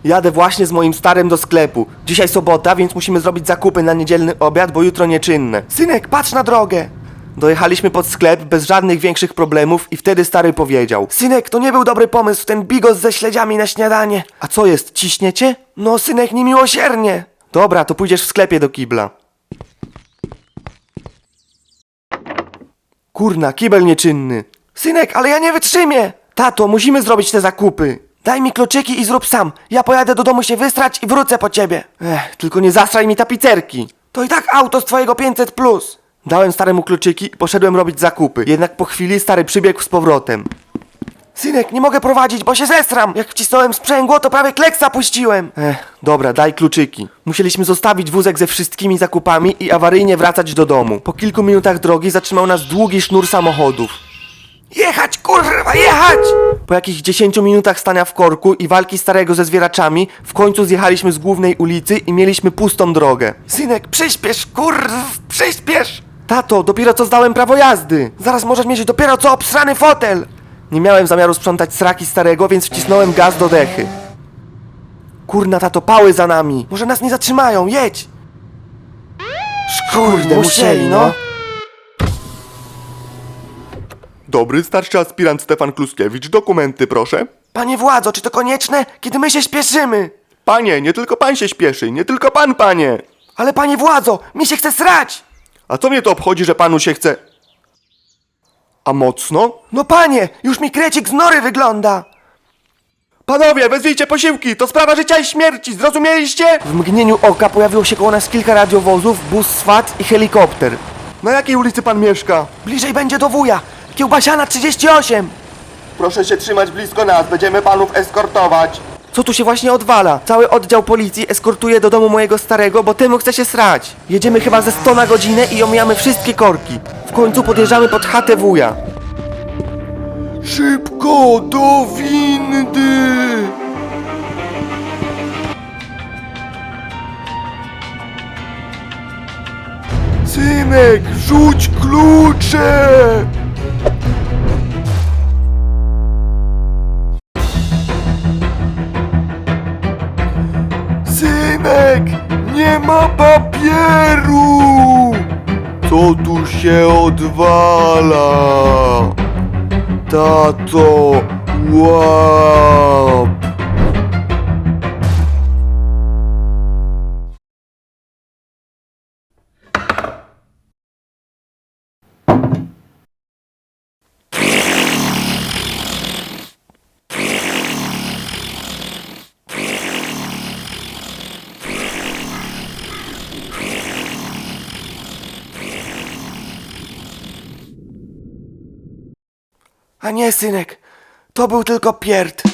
Jadę właśnie z moim starym do sklepu. Dzisiaj sobota, więc musimy zrobić zakupy na niedzielny obiad, bo jutro nieczynne. Synek, patrz na drogę! Dojechaliśmy pod sklep bez żadnych większych problemów i wtedy stary powiedział: synek, to nie był dobry pomysł, ten bigos ze śledziami na śniadanie. A co jest, ciśniecie? No synek, niemiłosiernie. Dobra, to pójdziesz w sklepie do kibla. Kurna, kibel nieczynny. Synek, ale ja nie wytrzymię. Tato, musimy zrobić te zakupy. Daj mi kluczyki i zrób sam. Ja pojadę do domu się wystrać i wrócę po ciebie. Tylko nie zastraj mi tapicerki. To i tak auto z twojego 500+. Dałem staremu kluczyki i poszedłem robić zakupy. Jednak po chwili stary przybiegł z powrotem. Synek, nie mogę prowadzić, bo się zesram. Jak wcisnąłem sprzęgło, to prawie kleksa puściłem. Dobra, daj kluczyki. Musieliśmy zostawić wózek ze wszystkimi zakupami i awaryjnie wracać do domu. Po kilku minutach drogi zatrzymał nas długi sznur samochodów. Jechać, kurwa, jechać! Po jakichś 10 minutach stania w korku i walki starego ze zwieraczami, w końcu zjechaliśmy z głównej ulicy i mieliśmy pustą drogę. Synek, przyspiesz, przyspiesz! Tato, dopiero co zdałem prawo jazdy. Zaraz możesz mieć dopiero co obsrany fotel. Nie miałem zamiaru sprzątać sraki starego, więc wcisnąłem gaz do dechy. Kurna, tato, pały za nami. Może nas nie zatrzymają, jedź! Kurde, musieli, no. Dobry, starszy aspirant Stefan Kluskiewicz. Dokumenty, proszę. Panie władzo, czy to konieczne, kiedy my się śpieszymy? Panie, nie tylko pan się śpieszy, nie tylko pan, panie. Ale panie władzo, mi się chce srać! A co mnie to obchodzi, że panu się chce... A mocno? No panie, już mi krecik z nory wygląda! Panowie, wezwijcie posiłki, to sprawa życia i śmierci, zrozumieliście? W mgnieniu oka pojawiło się koło nas kilka radiowozów, bus SWAT i helikopter. Na jakiej ulicy pan mieszka? Bliżej będzie do wuja, Kiełbasiana 38! Proszę się trzymać blisko nas, będziemy panów eskortować. Co tu się właśnie odwala? Cały oddział policji eskortuje do domu mojego starego, bo temu chce się srać. Jedziemy chyba ze 100 na godzinę i omijamy wszystkie korki. W końcu podjeżdżamy pod chatę wuja. Szybko, do windy! Synek, rzuć klucze! Synek, nie ma papieru! Co tu się odwala? Tato, łap! A nie, synek, to był tylko pierd.